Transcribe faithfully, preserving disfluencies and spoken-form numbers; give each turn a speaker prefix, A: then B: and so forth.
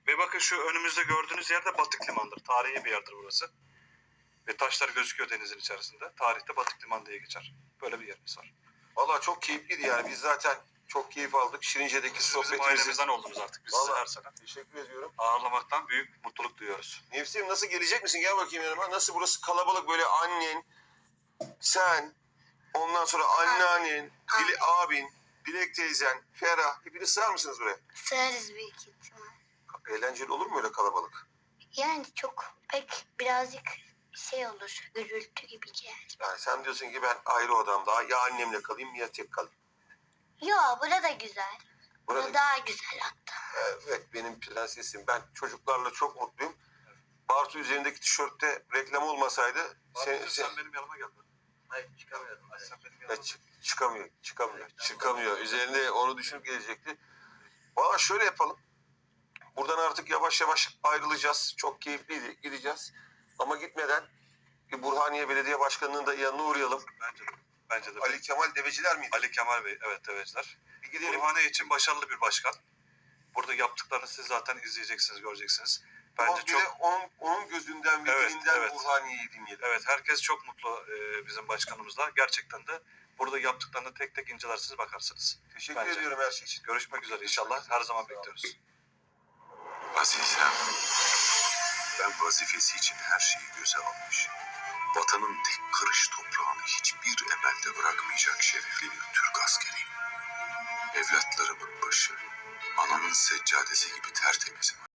A: Ve bakın şu önümüzde gördüğünüz yer de Batık Limanı'dır. Tarihi bir yerdir burası. Ve taşlar gözüküyor denizin içerisinde. Tarihte Batık Liman diye geçer. Böyle bir yerimiz var.
B: Vallahi çok keyifliydi yani. Biz zaten çok keyif aldık. Şirince'deki
A: Siz bizim
B: sohbetimizin.
A: ailemizden oldunuz artık. Biz sizi
B: Vallahi
A: her sene
B: teşekkür ediyorum.
A: ağırlamaktan büyük mutluluk duyuyoruz.
B: Nefsim nasıl, gelecek misin? Gel bakayım yanıma. Nasıl burası kalabalık, böyle annen, sen, ondan sonra anneannen,
C: Abi.
B: Dile, abin, Dilek teyzen, Ferah. Hepiniz sığar mısınız buraya?
C: Sığarız büyük ihtimal.
B: Eğlenceli olur mu öyle kalabalık?
C: Yani çok pek birazcık şey olur, gürültü gibi gelir.
B: Yani sen diyorsun ki ben ayrı odamda ya annemle kalayım ya tek kalayım.
C: Yo, burada güzel. Burada
B: Burada,
C: daha güzel hatta.
B: evet, benim prensesim. Ben çocuklarla çok mutluyum. Bartu üzerindeki tişörtte reklam olmasaydı sen,
A: Sen,
B: sen,
A: sen benim yanıma gel. Hayır çıkamıyorum. Sen benim yanıma
B: Ya çı- çıkamıyor, çıkamıyor, çıkamıyor. Üzerinde onu düşünüp gelecekti. Valla şöyle yapalım. Buradan artık yavaş yavaş ayrılacağız. Çok keyifliydi, gideceğiz. Ama gitmeden bir Burhaniye Belediye Başkanı'nın da yanına uğrayalım.
A: Bence de. Bence de.
B: Ali Kemal Deveciler miydi?
A: Ali Kemal Bey, evet deveciler.
B: Bir gidelim.
A: Burhaniye için başarılı bir başkan. Burada yaptıklarını siz zaten izleyeceksiniz, göreceksiniz. Bence
B: Ama bir
A: çok...
B: de onun, onun gözünden ve
A: Evet,
B: dilinden
A: evet.
B: Burhaniye'yi dinleyelim.
A: Evet, herkes çok mutlu e, bizim başkanımızla. Gerçekten de burada yaptıklarını tek tek incelersiniz, bakarsınız.
B: Teşekkür
A: Bence.
B: ediyorum her şey için.
A: Görüşmek üzere inşallah. Her zaman bekliyoruz.
D: Azizem, ben vazifesi için her şeyi göze almış, vatanın tek karış toprağını hiçbir emelde bırakmayacak şerefli bir Türk askeriyim. Evlatlarımın başı, anamın seccadesi gibi tertemizim.